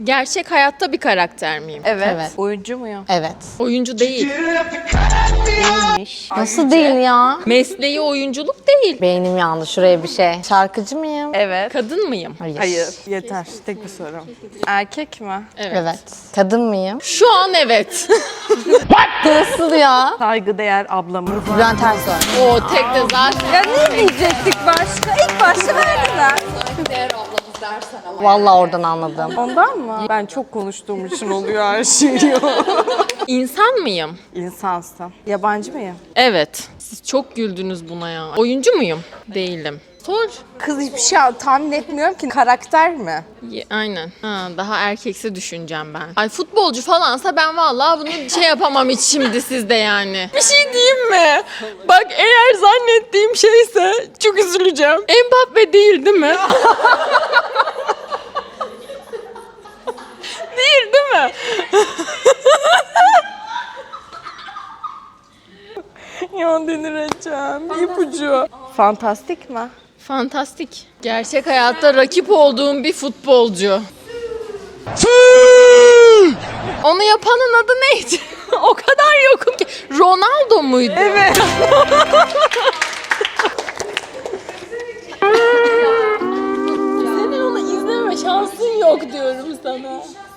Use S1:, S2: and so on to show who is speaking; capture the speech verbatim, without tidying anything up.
S1: Gerçek hayatta bir karakter miyim?
S2: Evet.
S3: Evet.
S2: Oyuncu muyum?
S3: Evet.
S1: Oyuncu değil.
S2: Değilmiş.
S3: Nasıl değil ya?
S1: Mesleği oyunculuk değil.
S3: Beynim yandı şuraya bir şey. Şarkıcı mıyım?
S2: Evet.
S1: Kadın mıyım?
S3: Hayır.
S2: Hayır. Yeter. Tek bir soru. Erkek mi?
S1: Evet.
S3: Evet. Kadın mıyım?
S1: Şu an evet.
S3: Nasıl ya?
S2: Saygıdeğer ablamız.
S3: Bülent Ersoy.
S1: O tek de zaten.
S2: Ya ne diyecektik başka? İlk başta verdiler.
S3: Vallahi oradan anladım.
S2: Ondan mı? Ben çok konuştuğum için oluyor her şey.
S1: İnsan mıyım?
S2: İnsansın. Yabancı mıyım?
S1: Evet. Siz çok güldünüz buna ya. Oyuncu muyum? Değilim. Sor.
S2: Kız hiçbir şey tahmin etmiyorum ki. Karakter mi?
S1: Ye- Aynen. Ha, daha erkeksi düşüneceğim ben. Ay futbolcu falansa ben vallahi bunu şey yapamam hiç şimdi sizde yani. Bir şey diyeyim mi? Bak eğer zannettiğim şeyse çok üzüleceğim. Mbappe değil değil mi? Değil değil mi?
S2: Ya delireceğim. İpucu. Fantastik mi?
S1: Fantastik. Gerçek hayatta rakip olduğum bir futbolcu. Onu yapanın adı neydi? O kadar yokum ki. Ronaldo muydu?
S2: Evet.